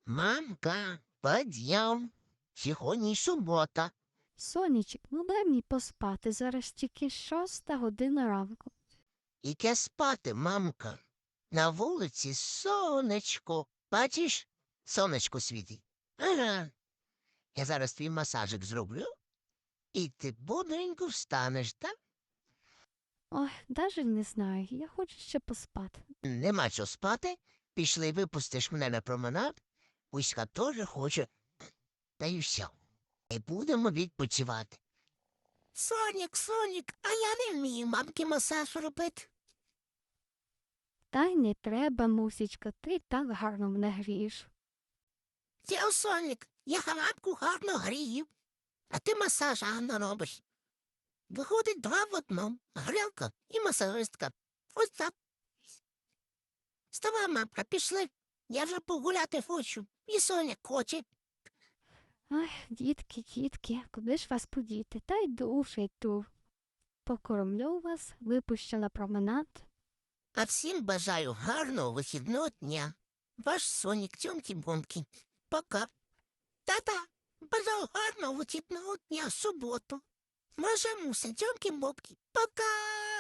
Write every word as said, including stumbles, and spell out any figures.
Мамка, подъем. Сьогодні субота. Сонечек, ну дай мені поспати, зараз тільки шоста година ранку. Іке спати, мамка. На вулиці сонечко. Бачиш, сонечко світить. Ага. Я зараз твій масажик зроблю, і ти бодренько встанеш, так? Ой, даже не знаю, я хочу ще поспати. Нема чого спати. Пішли, випустиш мене на променад. Уська теж хоче. Та й все. І будемо відпочивати. Сонік, Сонік, а я не вмію мамки масаж робити. Та й не треба, мусічка, ти так гарно мене грієш. Я Сонік, я мамку гарно грію, а ти масаж гарно робиш. Виходить два в одному. Грілка і масажистка. Ось так. Вставай, мамка, пішли. Я вже погуляти хочу. І Соня хоче. Ай, дітки, дітки, куди ж вас подіти? Та йду вже йду. Покормлю вас, випущу на променад. А всім бажаю гарного вихідного дня. Ваш Сонік Тьомкі-Бомкі. Пока. Та-та, бажаю гарного вихідного дня в суботу. Ваша муся Тьомкі-Бомкі. Пока.